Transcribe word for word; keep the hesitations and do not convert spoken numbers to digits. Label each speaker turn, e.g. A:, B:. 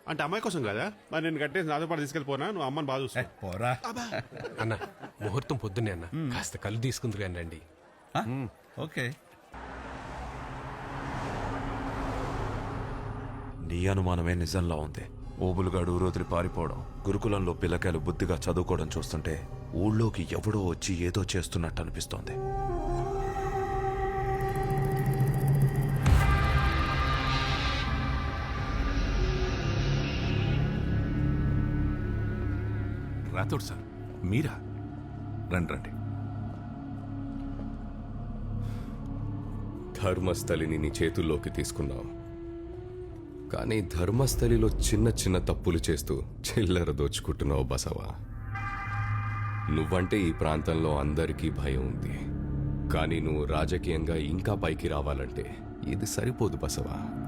A: అంటే అమ్మాయి కోసం కదా మరి నేను కట్టేసి నాతో పాటు తీసుకెళ్ళిపోనా నువ్వు అమ్మని బాగా చూస్తా
B: పోరా
C: అన్న ముహూర్తం పొద్దున్నే అన్న కాస్త కళ్ళు తీసుకుందరు కానీ రండి.
B: ఆ? ఓకే
D: నీ అనుమానమే నిజంలా ఉంది. ఓబులుగాడు ఊరోదిలి పారిపోవడం, గురుకులంలో పిల్లకాయలు బుద్ధిగా చదువుకోవడం చూస్తుంటే ఊళ్ళోకి ఎవడో వచ్చి ఏదో చేస్తున్నట్టు అనిపిస్తోంది.
E: రాథోడ్ సార్ మీరా? రండి రండి.
F: ధర్మస్థలిని నీ చేతుల్లోకి తీసుకున్నావు, కానీ ధర్మస్థలిలో చిన్న చిన్న తప్పులు చేస్తూ చిల్లర దోచుకుంటున్నావు బసవా. నువ్వంటే ఈ ప్రాంతంలో అందరికీ భయం ఉంది, కానీ నువ్వు రాజకీయంగా ఇంకా పైకి రావాలంటే ఇది సరిపోదు బసవా.